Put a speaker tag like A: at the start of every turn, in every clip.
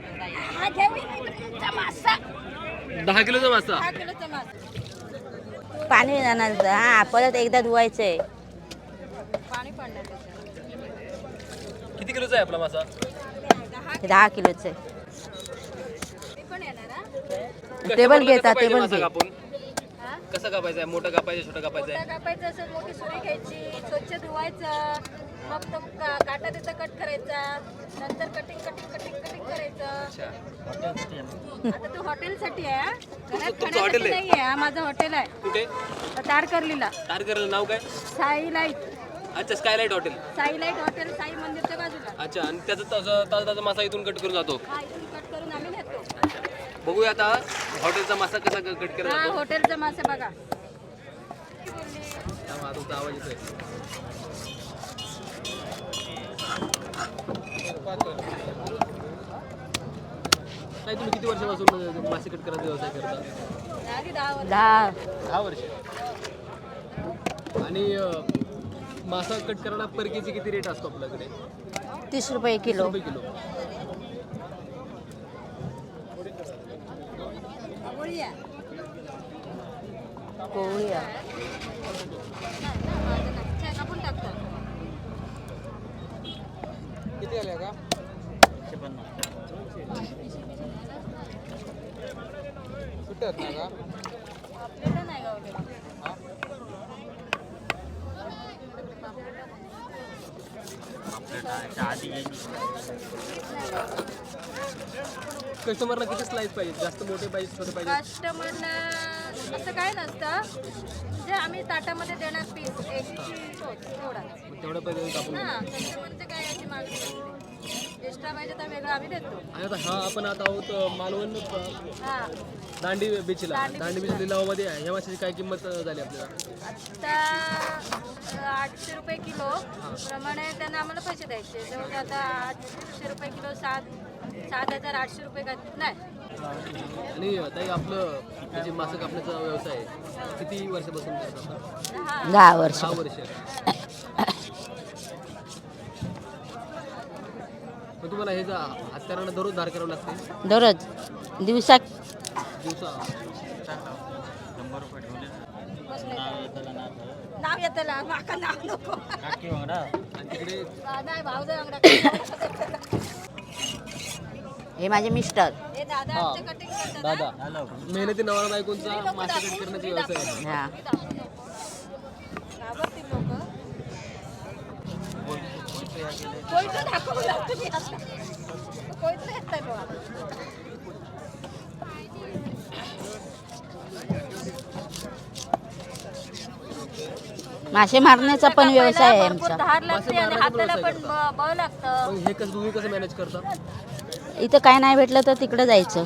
A: हा घेऊन मासा
B: 10 किलोचा मासा.
A: 10 किलोचा मासा.
C: पाणी जाणार हा परत एकदा धुवायचंय.
A: पाणी पडणार त्याच्यात.
B: किती किलोचा आहे आपला मासा?
C: 10 किलोचं आहे.
A: ते पण येणार हा.
C: टेबल घेता
B: कसा पाहिजे
C: टेबल
B: मासा
C: घे.
B: कापून?
A: हा?
B: कसा कापायचा आहे? मोठा कापायचा, छोटा कापायचा
A: मोठा
B: आहे?
A: कापायचं असं मोठी सुरी घ्यायची, स्वच्छ धुवायचं, मग तो काटा त्याचा कट करायचा, नंतर कटिंग कटिंग कटिंग कटिंग करायचं.
B: अच्छा.
A: आता तो हॉटेलसाठी आहे हा. घरात
B: तुमचं हॉटेल
A: खाण्यासाठी
B: आहे?
A: नाही आहे. हा माझं हॉटेल आहे
B: कुठे?
A: तारकर्लीला.
B: तारकर्लीला नाव काय?
A: साई लाईट.
B: अच्छा, skylight hotel.
A: Sai light hotel Sai मंदिरच्या बाजूला.
B: अच्छा, आणि त्याचा ताजा ताजा मासा इथून कट करून जातो.
A: हा इथून कट करून आम्ही नेतो.
B: बघूया आता हॉटेलचा मासा कसा कट केला
A: हा
B: जातो.
A: हॉटेलचा मासा बघा.
B: हा, तुमचा आवाज येतोय. काय तुम्ही किती वर्षापासून मासे कट करायचा व्यवसाय करता?
A: आधी 10 वर्ष.
B: 10 वर्ष. आणि मासा कट करायला पर केजी किती रेट असतो आपल्याकडे?
C: 30 रुपये किलो.
B: 30 रुपये किलो.
A: आवळी आहे.
C: पोळी आहे.
A: माझं नाही. छान कापून टाकतात.
B: किती आले का? 150. सुट्ट्यात ना का?
A: आपल्याला नाही गावले.
B: कस्टमरला किती स्लाइस पाहिजे? जास्त मोठे पाहिजे, छोटे पाहिजे?
A: कस्टमरला असं काय नसतं, जे आम्ही ताटामध्ये देणार पीस एक एवढा.
B: मग तेवढ्या पाहिजे कापून
A: हा कस्टमरचं काय याची मागणी नसते. एक्स्ट्रा पाहिजे तर वेगळं आम्ही देतो.
B: आणि आता हा आपण आता आहोत मालवण
A: हा
B: दांडी बीचला. दांडी बीच लिलावामध्ये आहे. ह्या माशाची काय किंमत झाली आपल्याला?
A: आता 800 रुपये किलो प्रमाणे त्यांना आम्हाला पैसे द्यायचे. जवळ आता 800 रुपये किलो 7,800 रुपये नाही.
B: आणि ताई आपलं हे जे मासे कापण्याचा व्यवसाय आहे किती वर्षापासून करता?
C: 10 वर्ष.
B: 10 वर्ष. मग तुम्हाला हे हत्यारांना दररोज धार करावं लागते?
C: दररोज दिवसात
B: दिवसा
A: नाव येतं माका नाव नको.
B: आणि तिकडे
A: नाही भाऊ अंगडा.
C: हे माझे मिस्टर.
A: हे दादा आमचे कटिंग करतात.
B: दादा मेहनती नवरा बायकोंचा मासे कट करण्याचा व्यवसाय आहे.
C: हा
A: घाबरतील लोक. कोयतं दाखवलं तुम्ही आता. कोयतं येतंय बघा.
C: मासे मारण्याचा पण व्यवसाय आहे
A: भरपूर
C: आमचा.
A: धार लागते आणि हाताला पण बळ लागतं.
B: मग हे कसं तुम्ही कसं मॅनेज करता?
C: इथं काय नाही भेटलं तर तिकडं जायचं.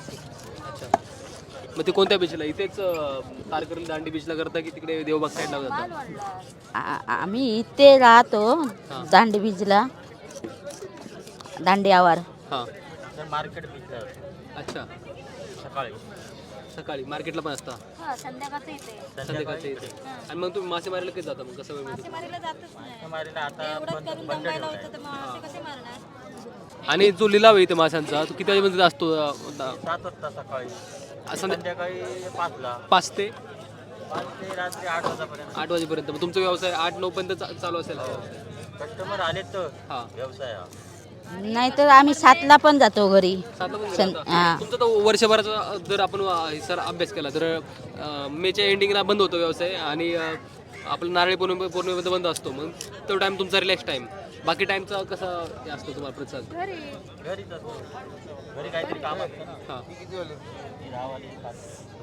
B: मग ते कोणत्या बीचला? इथेच तारकर्ली दांडी बीचला करता की तिकडे देवबाग साईडला जाता?
A: मालवणला.
C: आम्ही इथे राहतो दांडी बीचला. दांडी आवार.
B: हां.
D: Market beach.
B: अच्छा.
D: सकाळी
B: सकाळी मार्केटला पण असता?
A: हा संध्याकाळचं इथे.
B: संध्याकाळच्या इथे. आणि मग तुम्ही मासे मारायला कधी जाता? मग कसं वेळ मिळतो?
A: मासेमारीला जातच नाही.
D: मारीला आता
A: एवढंच करून दंबायला होतं तर मासे कसे मारणार?
B: आणि जो लिलाव आहे इथे माशांचा तो किती वाजेपर्यंत असतो?
D: 7 वाजता सकाळी. संध्याकाळी 5ला.
B: 5 ते
D: 5 ते रात्री 8 वाजेपर्यंत.
B: 8 वाजेपर्यंत. मग तुमचा व्यवसाय 8-9 पर्यंत चालू असेल हा व्यवसाय?
D: कस्टमर आले तर
B: हां.
D: व्यवसाय हा.
C: नाहीतर आम्ही 7ला पण जातो घरी.
B: 7ला पण
C: सं-
B: जाता?
C: हा.
B: तुमचा तो वर्षभराचा जर आपण सर अभ्यास केला तर मेच्या एंडिंगला बंद होतो व्यवसाय आणि आपलं नारळी पौर्णिमेमध्ये बंद असतो. मग तो टाइम तुमचा रिलॅक्स टाइम. बाकी टाइमचा कसा हे असतो तुम्हाला प्रतिसाद?
A: घरी
D: घरीच असतो. घरी काहीतरी काम असतं ना.
B: हां.
D: ती रावाली खात.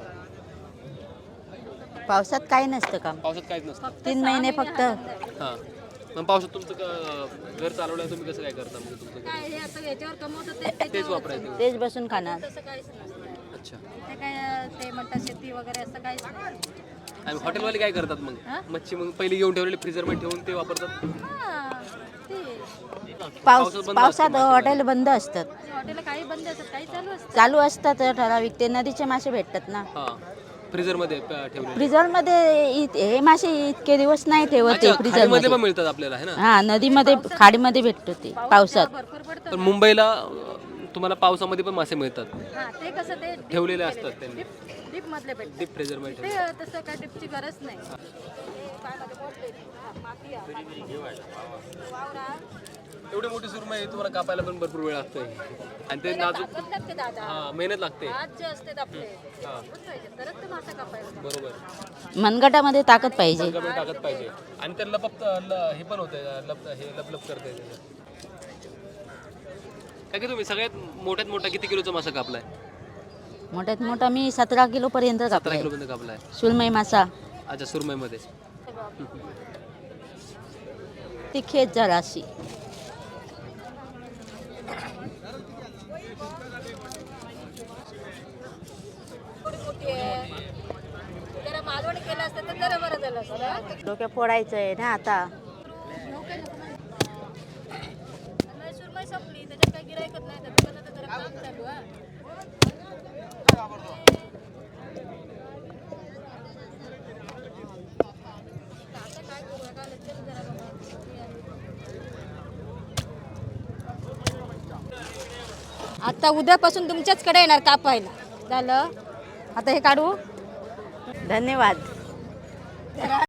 C: पावसात काही नसतं काम.
B: पावसात काहीच नसतं.
C: 3 महिने फक्त.
B: हां. मग पावसात तुमचं घर चालवलं तुम्ही कसं काय करता? मग तुमचं
A: काय हे आता याच्यावर कमवतो ते
B: तेच
A: त्याच्यावर
B: वापरायचं?
C: तेच बसून खाणार.
A: तसं काहीच नसतं.
B: अच्छा.
A: ते काय ते म्हणतात शेती वगैरे असं काहीच नाही.
B: आणि हॉटेलवाले काय करतात मग?
A: हां?
B: मच्छी मग पहिली घेऊन ठेवलेली फ्रीजरमध्ये ठेवून ते वापरतात?
A: हा ते
C: पावसात हॉटेल बंद असतात.
A: हॉटेल काही बंद असतात काही चालू असतं.
C: चालू असतात ठराविक. ते नदीचे मासे भेटतात ना.
B: हां. फ्रीजरमध्ये ठेवलेले.
C: फ्रीजर मध्ये हे मासे इतके दिवस नाही ठेवत ते फ्रीजर
B: खाडीमध्ये
C: मध्ये.
B: पण मिळतात आपल्याला है ना?
C: हा नदीमध्ये खाडीमध्ये भेटतो ते पावसात.
A: भरपूर पडतं.
B: पण मुंबईला तुम्हाला पावसामध्ये पण मासे मिळतात
A: हा ते कसं ते
B: ठेवलेले असतात त्यांनी
A: डीप मधले भेटते
B: डीप फ्रेझरमध्ये
A: ते तसं काय डिपची गरज नाही काय माझे बोट माती वावरा
B: एवढी मोठी सुरमई तुम्हाला कापायला पण भरपूर वेळ लागतोय आणि ते नाजूक
A: ताकद लागते दादा
B: हा मेहनत लागते
A: हात जे असते आपले ताकद पाहिजे तरच ते मासा कापायला
B: बरोबर
C: मनगटामध्ये ताकद पाहिजे
B: कमी टाकत पाहिजे आणि ते हे पण होते लप करते काय की तुम्ही सगळ्यात मोठ्यात मोठा किती किलोचा मासा कापलाय
C: मोठ्यात मोठा मी 17 किलो पर्यंत
B: 17
C: कापलाय
B: किलो पर्यंत कापलाय
C: सुरमई मासा
B: अच्छा सुरमईमध्ये
C: तिखेत जराशी
A: थोडी मोठी आहे जरा मालवण केलं असतं तर जरा बरं झालं असतं
C: डोक्या फोडायचं आहे ना आता
A: सुरमई संपली त्याच्यात काही गिरायकच नाही तर दुकानात जरा काम चालू आहे आता काय करू का चल जरा आता उद्यापासून तुमच्याचकडे येणार कापायला झालं आता हे काढू
C: धन्यवाद